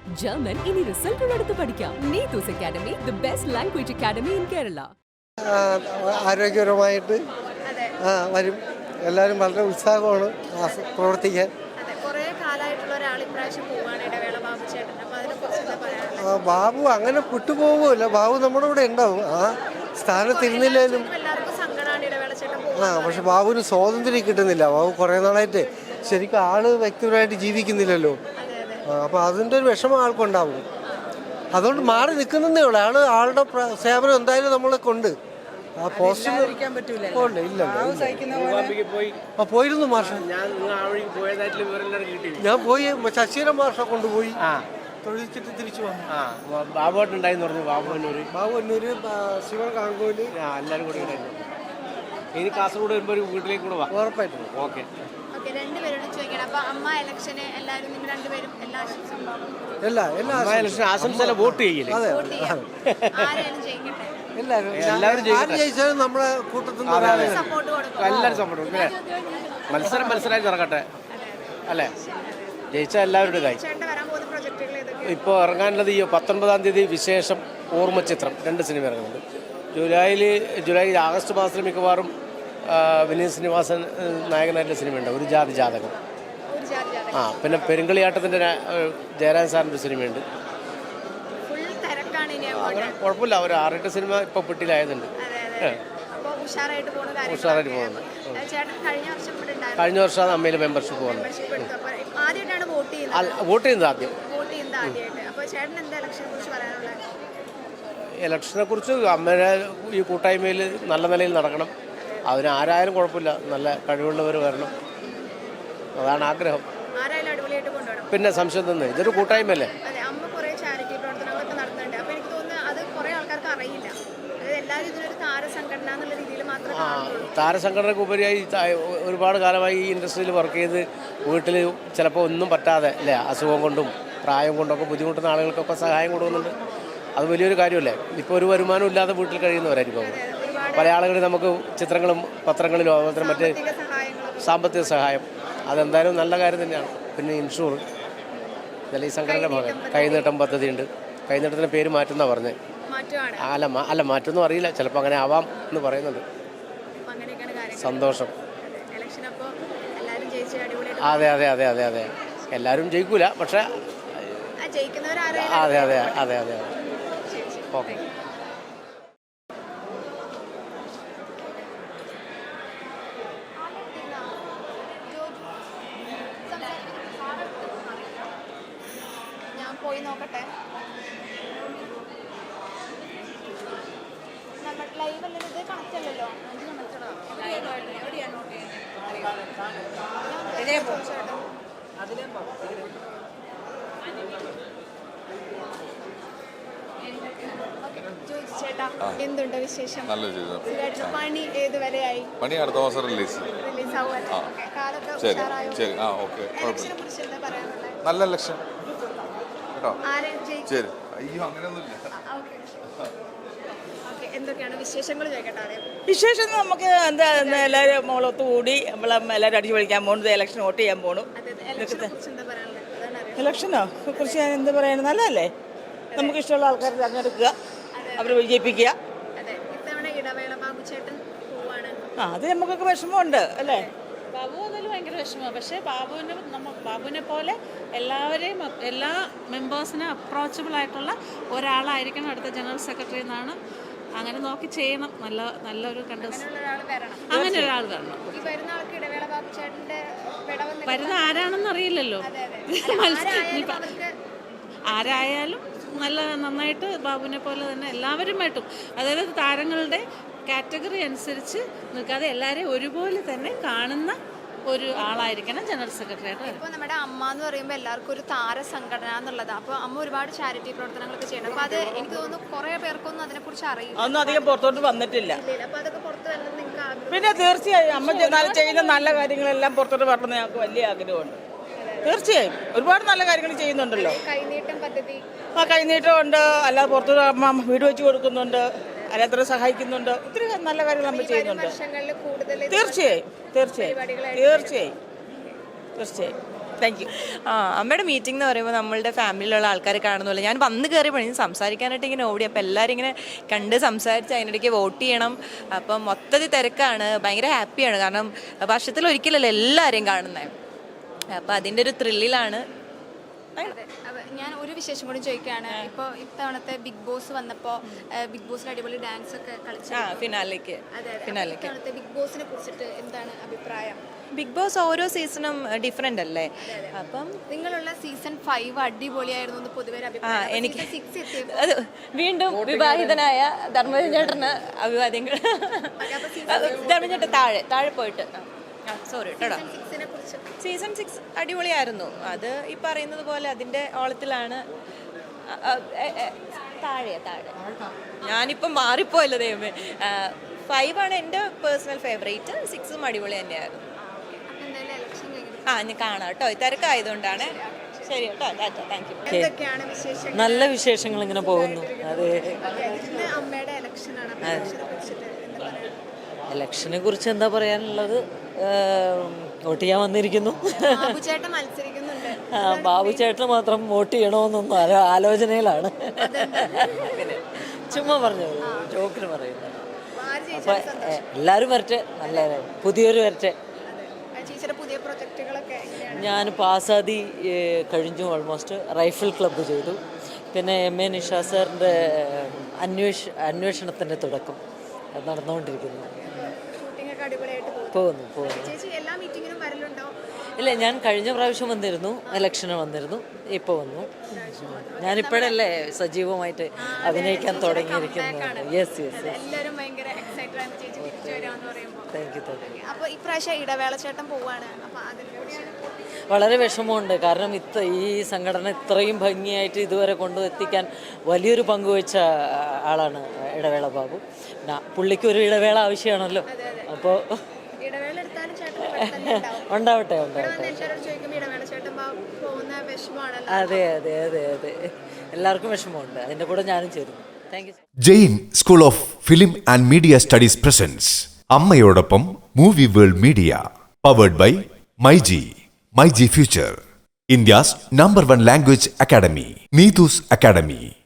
German ഇനി റിസൾട്ടുകളെടുത്ത് പഠിക്കാം. Neethus academy, the best language academy in Kerala. ആരോഗ്യപരമായിട്ട് വരും. എല്ലാവരും വളരെ ഉത്സാഹമാണ് പ്രവർത്തിക്കാൻ. ബാബു അങ്ങനെ വിട്ടുപോകുമല്ല, ബാബു നമ്മുടെ കൂടെ ഉണ്ടാവും. ആ സ്ഥാനത്തിരുന്നില്ലേലും പക്ഷെ ബാബുവിന് സ്വാതന്ത്ര്യം കിട്ടുന്നില്ല. ബാബു കുറേ നാളായിട്ട് ശരിക്കും ആള് വ്യക്തിപരമായിട്ട് ജീവിക്കുന്നില്ലല്ലോ. അപ്പോൾ അതിൻ്റെ ഒരു വിഷമം ആൾക്കുണ്ടാവും. അതുകൊണ്ട് മാറി നിൽക്കുന്നതേ ഉള്ളൂ. ആളുടെ സേവനം എന്തായാലും നമ്മളെ കൊണ്ട് ആ പോസ്റ്റ് ഇല്ല. പോയിരുന്നു മാഷ, ഞാൻ പോയി. ശശീരൻ മാഷ കൊണ്ടുപോയി തൊഴിച്ചിട്ട് തിരിച്ചു വന്നു. ബാബുണ്ടായിരുന്നു പറഞ്ഞു. ബാബുന്നൂര് ശിവൻ കാങ്കോല് എല്ലാവരും കൂടി ഉണ്ടായിരുന്നു. ഇനി കാസർഗോഡ് വരുമ്പോൾ ഒരു വീട്ടിലേക്ക് കൂടെ ഉറപ്പായിട്ടും. ഓക്കെ. ആശംസ വോട്ട് ചെയ്യില്ലേ? എല്ലാവരും ജയിച്ചാലും നമ്മുടെ കൂട്ടത്തിൽ എല്ലാവരും സപ്പോർട്ട് കൊടുക്കും. മത്സരമായി നടക്കട്ടെ അല്ലേ? ജയിച്ചാൽ എല്ലാവരുടെ കാര്യം. ഇപ്പോൾ ഇറങ്ങാനുള്ളത് ഈ 19-ാം തീയതി വിശേഷം ഓർമ്മചിത്രം 2 സിനിമ ഇറങ്ങുന്നുണ്ട്. ജൂലൈ ആഗസ്റ്റ് മാസത്തിൽ മിക്കവാറും വിനീത് ശ്രീനിവാസൻ നായകനായിട്ടുള്ള സിനിമയുണ്ട്, ഒരു ജാതി ജാതകം. പിന്നെ പെരുങ്കളിയാട്ടത്തിൻ്റെ ജയരാജൻ സാറിൻ്റെ ഒരു സിനിമയുണ്ട്. അങ്ങനെ കുഴപ്പമില്ല. ഒരു 6-8 സിനിമ ഇപ്പോൾ പെട്ടിയിലായതുണ്ട്. ഉഷാറായിട്ട് പോകുന്നുണ്ട്. കഴിഞ്ഞ വർഷമാണ് അമ്മയിൽ മെമ്പർഷിപ്പ് വന്നത്. വോട്ട് ചെയ്യുന്നത് ആദ്യം. ഇലക്ഷനെ കുറിച്ച് അമ്മയുടെ ഈ കൂട്ടായ്മയിൽ നല്ല നിലയിൽ നടക്കണം. അതിന് ആരായാലും കുഴപ്പമില്ല, നല്ല കഴിവുള്ളവർ വരണം, അതാണ് ആഗ്രഹം. പിന്നെ സംശയം തന്നെ, ഇതൊരു കൂട്ടായ്മയല്ലേ. താരസംഘടനയ്ക്ക് ഉപരിയായി ഒരുപാട് കാലമായി ഈ ഇൻഡസ്ട്രിയിൽ വർക്ക് ചെയ്ത് വീട്ടിൽ ചിലപ്പോൾ ഒന്നും പറ്റാതെ അല്ലേ, അസുഖം കൊണ്ടും പ്രായം കൊണ്ടൊക്കെ ബുദ്ധിമുട്ടുന്ന ആളുകൾക്കൊക്കെ സഹായം കൊടുക്കുന്നുണ്ട്. അത് വലിയൊരു കാര്യമല്ലേ. ഇപ്പോൾ ഒരു വരുമാനം ഇല്ലാതെ വീട്ടിൽ കഴിയുന്നവരായിരിക്കും പല ആളുകളും. നമുക്ക് ചിത്രങ്ങളും പത്രങ്ങളിലും അതുപോലെ മറ്റ് സാമ്പത്തിക സഹായം, അതെന്തായാലും നല്ല കാര്യം തന്നെയാണ്. പിന്നെ ഇൻഷൂർ ഇതെല്ലാം ഈ സംഘടനയുടെ ഭാഗം. കൈനീട്ടം പദ്ധതിയുണ്ട്. കൈനീട്ടത്തിൻ്റെ പേര് മാറ്റുമെന്നാണ് പറഞ്ഞത്. അല്ല മാറ്റൊന്നും അറിയില്ല, ചിലപ്പോൾ അങ്ങനെ ആവാം എന്ന് പറയുന്നുണ്ട്. സന്തോഷം. അതെ അതെ അതെ അതെ അതെ എല്ലാവരും ജയിക്കൂല, പക്ഷേ അതെ അതെ അതെ അതെ ഓക്കെ. ഞാൻ പോയി നോക്കട്ടെ. നമ്മുടെ ലൈവ് അല്ലല്ലോ, ഇത് കണക്റ്റ് അല്ലല്ലോ. ചേട്ടാ, എന്തുണ്ട് വിശേഷം? പണി ഏതുവരെയായി? പണി അടുത്ത മാസം റിലീസ് ആവും. നല്ല ലക്ഷ്യം കേട്ടോ. ശരി. അയ്യോ അങ്ങനെയൊന്നുമില്ല. എന്തൊക്കെയാണ് വിശേഷങ്ങൾ ചോദിക്കട്ടെ? വിശേഷം നമുക്ക് എന്താ, എല്ലാവരും മോളൊത്ത് കൂടി എല്ലാവരും അടിച്ചു പഠിക്കാൻ പോകുന്നത്. ഇലക്ഷൻ വോട്ട് ചെയ്യാൻ പോകണം. ഇലക്ഷനോ കുറിച്ച് ഞാൻ എന്ത് പറയാനും, നല്ലതല്ലേ. നമുക്ക് ഇഷ്ടമുള്ള ആൾക്കാരെ തിരഞ്ഞെടുക്കുക, അവരെ വിജയിപ്പിക്കുക. അത് നമുക്കൊക്കെ വിഷമമുണ്ട് അല്ലേ. ബാബു അതിൽ ഭയങ്കര വിഷമമാണ്. പക്ഷേ ബാബുവിനെ പോലെ എല്ലാവരെയും, എല്ലാ മെമ്പേഴ്സിനും അപ്രോച്ചബിൾ ആയിട്ടുള്ള ഒരാളായിരിക്കണം അടുത്ത ജനറൽ സെക്രട്ടറി എന്നാണ്. അങ്ങനെ നോക്കി ചെയ്യണം. നല്ലൊരു അങ്ങനെ ഒരാൾ വരണം. വരുന്ന ആരാണെന്ന് അറിയില്ലല്ലോ. ആരായാലും നന്നായിട്ട് ബാബുവിനെ പോലെ തന്നെ എല്ലാവരുമായിട്ടും, അതായത് താരങ്ങളുടെ കാറ്റഗറി അനുസരിച്ച് നിൽക്കാതെ എല്ലാവരെയും ഒരുപോലെ തന്നെ കാണുന്ന ഒരു ആളായിരിക്കണം ജനറൽ സെക്രട്ടറി ആയിട്ട്. ഇപ്പോൾ നമ്മുടെ അമ്മ എന്ന് പറയുമ്പോൾ എല്ലാവർക്കും ഒരു താര സംഘടന എന്നുള്ളതാണ്. അപ്പോൾ അമ്മ ഒരുപാട് ചാരിറ്റി പ്രവർത്തനങ്ങളൊക്കെ ചെയ്യണം. അപ്പോൾ അത് എനിക്ക് തോന്നുന്നു കുറേ പേർക്കൊന്നും അതിനെക്കുറിച്ച് അറിയില്ല. ഒന്നും അധികം പുറത്തോട്ട് വന്നിട്ടില്ല. അപ്പോൾ അതൊക്കെ പുറത്ത് വരണം നിങ്ങൾക്ക്? പിന്നെ തീർച്ചയായും അമ്മ ചെയ്യുന്ന നല്ല കാര്യങ്ങളെല്ലാം പുറത്തോട്ട് വരണമെന്ന് ഞങ്ങൾക്ക് വലിയ ആഗ്രഹമുണ്ട്. തീർച്ചയായും ഒരുപാട് നല്ല കാര്യങ്ങൾ ചെയ്യുന്നുണ്ടല്ലോ. കൈനീട്ടം പദ്ധതി, കൈനീട്ടം ഉണ്ട്, അല്ലാതെ പുറത്തോട്ട് അമ്മ വീട് വെച്ച് കൊടുക്കുന്നുണ്ട്, അല്ലാത്ത സഹായിക്കുന്നുണ്ട്. ഒത്തിരി നല്ല കാര്യങ്ങൾ നമ്മൾ ചെയ്യുന്നുണ്ട്. തീർച്ചയായും തീർച്ചയായും തീർച്ചയായും തീർച്ചയായും താങ്ക് യു. അമ്മയുടെ മീറ്റിംഗ് എന്ന് പറയുമ്പോൾ നമ്മളുടെ ഫാമിലിയിലുള്ള ആൾക്കാരെ കാണുന്നില്ല. ഞാൻ വന്ന് കയറിയപ്പോൾ സംസാരിക്കാനായിട്ട് ഇങ്ങനെ ഓടി, അപ്പോൾ എല്ലാവരും ഇങ്ങനെ കണ്ട് സംസാരിച്ച് അതിനിടയ്ക്ക് വോട്ട് ചെയ്യണം. അപ്പം മൊത്തത്തിൽ തിരക്കാണ്, ഭയങ്കര ഹാപ്പിയാണ്. കാരണം വർഷത്തിലൊരിക്കലല്ലേ എല്ലാവരെയും കാണുന്നത്. അപ്പോൾ അതിൻ്റെ ഒരു ത്രില്ലിലാണ്. ഞാൻ ഒരു വിശേഷം കൂടി ചോദിക്കുകയാണ്. ഇപ്പോൾ ഇത്തവണത്തെ ബിഗ് ബോസ് വന്നപ്പോൾ ബിഗ് ബോസിൽ അടിപൊളി ഡാൻസ് ഒക്കെ കളിച്ചു. ഫിനാലേക്ക് ഇത്തവണത്തെ ബിഗ് ബോസിനെ കുറിച്ചിട്ട് എന്താണ് അഭിപ്രായം? ബിഗ് ബോസ് ഓരോ സീസണും ഡിഫറെൻ്റ് അല്ലേ? അപ്പം നിങ്ങളുള്ള സീസൺ 5 അടിപൊളിയായിരുന്നു എന്ന് പൊതുവെ ഒരു അഭിപ്രായം. എനിക്ക് 6 എത്തിയപ്പോൾ അത് വീണ്ടും വിവാഹിതനായ ധർമ്മജൻ ചേട്ടന് അഭിവാദ്യങ്ങൾ. ധർമ്മജൻ ചേട്ടൻ താഴെ പോയിട്ട് സോറി കേട്ടോ. സീസൺ 6 അടിപൊളിയായിരുന്നു. അത് ഈ പറയുന്നത് പോലെ അതിൻ്റെ ഓളത്തിലാണ്. താഴെ ഞാനിപ്പം മാറിപ്പോയല്ലോ ദൈവമേ. 5 ആണ് എൻ്റെ പേഴ്സണൽ ഫേവറേറ്റ്. 6ഉം അടിപൊളി തന്നെയായിരുന്നു. ഞാൻ കാണാം കേട്ടോ, തിരക്കായതുകൊണ്ടാണ്. ശരി കേട്ടോ, ടാറ്റ, താങ്ക് യു. എന്തൊക്കെയാണ് വിശേഷങ്ങൾ? നല്ല വിശേഷങ്ങൾ ഇങ്ങനെ പോകുന്നു. അതെ, ഇന്ന് അമ്മയുടെ ഇലക്ഷനാണ്. ഇലക്ഷനെ കുറിച്ച് എന്താ പറയാനുള്ളത്? വോട്ട് ചെയ്യാൻ വന്നിരിക്കുന്നു. ബാബുചേട്ടൻ മത്സരിക്കുന്നുണ്ട്. ബാബു ചേട്ടന് മാത്രം വോട്ട് ചെയ്യണമെന്നൊന്നും ആലോചനയിലാണ്. പിന്നെ ചുമ്മാ പറഞ്ഞത്, ജോക്കിന് പറയുന്നത്. അപ്പൊ എല്ലാവരും വരട്ടെ, നല്ല പുതിയൊരു വരട്ടെ. പുതിയ പ്രൊജക്റ്റുകളൊക്കെ ഞാൻ പാസാദി കഴിഞ്ഞു, ഓൾമോസ്റ്റ് റൈഫിൾ ക്ലബ്ബ് ചെയ്തു. പിന്നെ MA നിഷാ സാറിൻ്റെ അന്വേഷണത്തിൻ്റെ തുടക്കം നടന്നുകൊണ്ടിരിക്കുന്നു. പോകുന്നു. ഇല്ല, ഞാൻ കഴിഞ്ഞ പ്രാവശ്യം വന്നിരുന്നു, ഇലക്ഷന് വന്നിരുന്നു, ഇപ്പോൾ വന്നു. ഞാനിപ്പോഴല്ലേ സജീവമായിട്ട് അഭിനയിക്കാൻ തുടങ്ങിയിരിക്കുന്നത്. യെസ്. Thank you. വളരെ വിഷമമുണ്ട്. കാരണം ഈ സംഘടന ഇത്രയും ഭംഗിയായിട്ട് ഇതുവരെ കൊണ്ടുവെത്തിക്കാൻ വലിയൊരു പങ്കുവച്ച ആളാണ് ഇടവേള ബാബു. പുള്ളിക്ക് ഒരു ഇടവേള ആവശ്യമാണല്ലോ. അപ്പോൾ ഉണ്ടാവട്ടെ. അതെ. എല്ലാവർക്കും വിഷമമുണ്ട്, അതിൻ്റെ കൂടെ ഞാനും ചേരുന്നു. Thank you. Jain school of film and media studies presents അമ്മയോടൊപ്പം movie world media, powered by MyG future, India's #1 language academy, Neetu's Academy.